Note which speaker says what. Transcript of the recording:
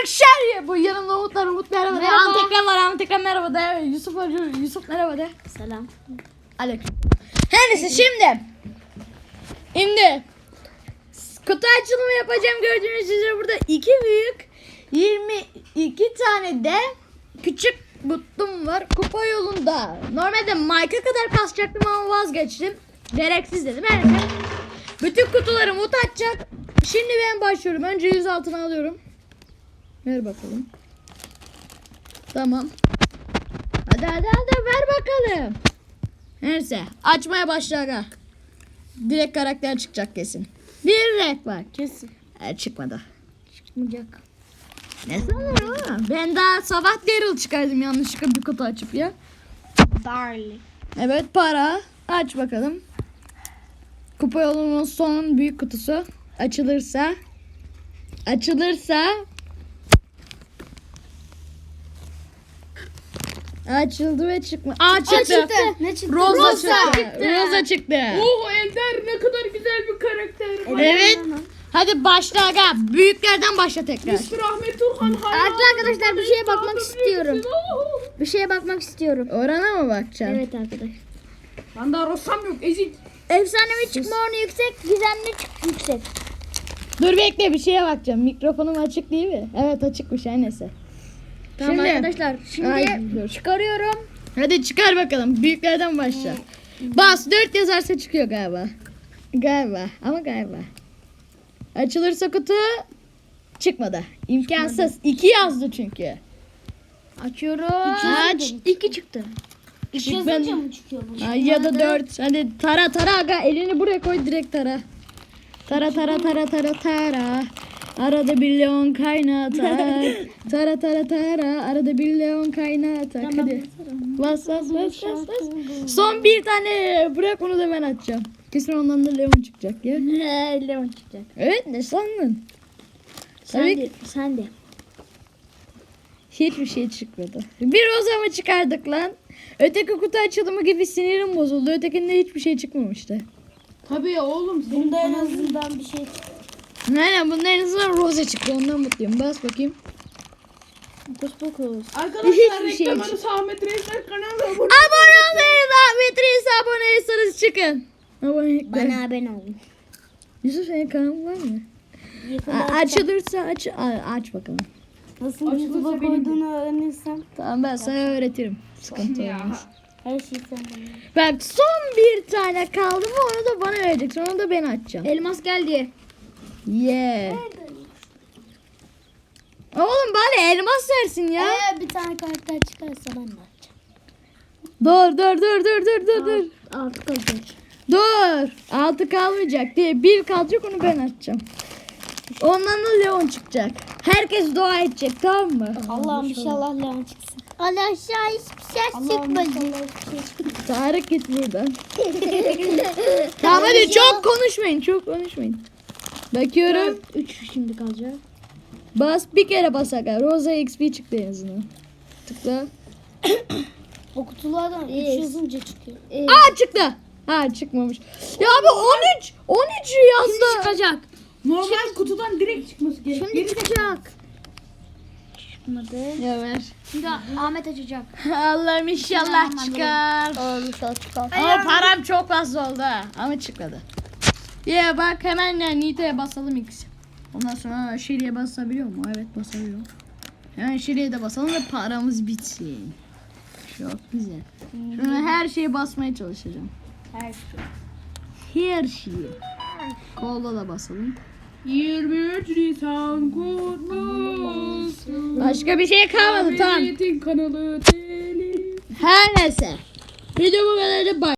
Speaker 1: arkadaşlar ya. Bu yanımda Umut merhaba de.
Speaker 2: Merhaba.
Speaker 1: Antekran merhaba de. Yusuf merhaba de.
Speaker 2: Selam.
Speaker 1: Aleyküm. Her neyse şimdi kutu açılımı yapacağım. Gördüğünüz üzere burada 2 büyük 22 tane de küçük butum var. Kupa yolunda. Normalde Mike'a kadar kasacaktım ama vazgeçtim. Gereksiz dedim. Her neyse. Bütün kutuları Umut açacak. Şimdi ben başlıyorum. Önce 100 altına alıyorum. Ver bakalım. Tamam. Hadi ver bakalım. Neyse açmaya başla aga. Direkt karakter çıkacak kesin. Bir renk var.
Speaker 2: Kesin.
Speaker 1: Çıkmadı.
Speaker 2: Çıkmayacak.
Speaker 1: Ne sanırım ama. Ben daha sabah Daryl çıkardım yanlışlıkla bir kutu açıp ya.
Speaker 2: Darling.
Speaker 1: Evet para. Aç bakalım. Kupa yolunun son büyük kutusu. Açılırsa. Açıldı ve çıkmadı. Çıktı.
Speaker 2: Ne çıktı?
Speaker 1: Rosa çıktı.
Speaker 3: Oo Ender ne kadar güzel bir karakter.
Speaker 1: Evet. Hadi başla aga. Büyüklerden başla tekrar.
Speaker 3: Mr. Ahmet Turhan hayran.
Speaker 2: Arkadaşlar bir şeye bakmak istiyorum. Bir şeye bakmak istiyorum.
Speaker 1: Orana mı bakacaksın?
Speaker 2: Evet arkadaş.
Speaker 3: Ben daha Rosam yok ezik.
Speaker 2: Efsanevi çıkma oranı yüksek, gizemli yüksek.
Speaker 1: Dur bekle bir şeye bakacağım. Mikrofonum açık değil mi? Evet açıkmış her neyse.
Speaker 2: Tamam
Speaker 1: Şimdi-
Speaker 2: arkadaşlar. Şimdi
Speaker 1: Ay, dur.
Speaker 2: çıkarıyorum.
Speaker 1: Hadi çıkar bakalım. Büyüklerden başla. Bas 4 yazarsa çıkıyor galiba. Galiba. Açılırsa kutu çıkmadı. İmkansız. 2 yazdı çünkü.
Speaker 2: Açıyorum.
Speaker 1: Aç.
Speaker 2: 2 çıktı.
Speaker 1: İki yazınca
Speaker 2: mı çıkıyor bu?
Speaker 1: Ay, ya da 4. Hadi tara aga. Elini buraya koy direkt tara. Tara. Arada bir leon kaynatar. Tara. Arada bir leon kaynatar. Hadi. Bas. Son bir tane. Bırak onu da ben atacağım. Kesin ondan da leon çıkacak ya.
Speaker 2: Leon çıkacak.
Speaker 1: Evet ne sandın?
Speaker 2: Sen de.
Speaker 1: Hiçbir şey çıkmadı. Bir roza mı çıkardık lan? Öteki kutu açılımı gibi sinirim bozuldu. Ötekinde hiçbir şey çıkmamıştı.
Speaker 3: Tabii ya oğlum.
Speaker 2: Bunda en azından bir şey çıktı.
Speaker 1: Aynen bunun en azından roza çıktı. Ondan mutluyum. Bas bakayım.
Speaker 2: Fokus.
Speaker 3: Arkadaşlar
Speaker 1: Hiçbir şey
Speaker 3: reklam
Speaker 1: yok.
Speaker 3: arası Ahmet Reisler kanalı.
Speaker 1: Abone olmayı, Ahmet Reis aboneysanız çıkın. Abonelikler.
Speaker 2: Bana abone olun.
Speaker 1: Yusuf senin kanalın var mı?
Speaker 2: Yakında
Speaker 1: Açılırsa aç bakalım.
Speaker 2: nasıl
Speaker 3: Açılırsa
Speaker 2: YouTube'a
Speaker 3: benim
Speaker 2: koyduğunu öğrenirsem
Speaker 1: Tamam ben sana öğretirim. Sıkıntı olmaz.
Speaker 2: her şeyi sen bana.
Speaker 1: Bak son bir tane kaldı mı onu da bana vereceksin. Onu da ben açacağım.
Speaker 2: Elmas geldi.
Speaker 1: Yeah. Oğlum bari elmas versin ya.
Speaker 2: Bir tane karakter çıkarsa ben de açacağım.
Speaker 1: Dur.
Speaker 2: Artık olacak.
Speaker 1: Dur. 6 kalmayacak diye 1 kalacak onu ben açacağım. Ondan da Leon çıkacak. Herkes dua edecek tamam mı?
Speaker 2: Allah'ım inşallah Leon çıksın. Allah aşağı hiçbir şey çıkmadı.
Speaker 1: Tarık git buradan. Tamam hadi çok konuşmayın. Bakıyorum.
Speaker 2: 3 şimdi kalacak.
Speaker 1: Bas bir kere bas aga. Rosa XP çıktı en azından. Tıkla.
Speaker 2: O kutulardan 3 yazınca çıkıyor.
Speaker 1: Çıktı. Çıkmamış. Ya abi 13 yazdı.
Speaker 2: Çıkacak.
Speaker 3: Normal kutudan direkt çıkması gerekiyor.
Speaker 2: Şimdi çıkacak. Çıkmadı.
Speaker 1: Ya ver.
Speaker 2: Şimdi Ahmet açacak.
Speaker 1: Allah'ım inşallah çıkar.
Speaker 2: Çıkar.
Speaker 1: Ama param çok fazla oldu ha. Ama çıkmadı. Ya bak hemen Nita'ya basalım X. Ondan sonra Şeri'ye basabiliyor mu? Evet basabiliyor. Hemen Şeri'ye de basalım ve paramız bitsin. Çok güzel. Şuna her şeye basmaya çalışacağım.
Speaker 2: Her şey.
Speaker 1: Her şeyi. Kolda da basalım.
Speaker 3: 23 Nisan kutlu olsun.
Speaker 1: Başka bir şey kalmadı tamam.
Speaker 3: Ahmet'in kanalı telif.
Speaker 1: Her neyse. Video bu kadardı. Bye.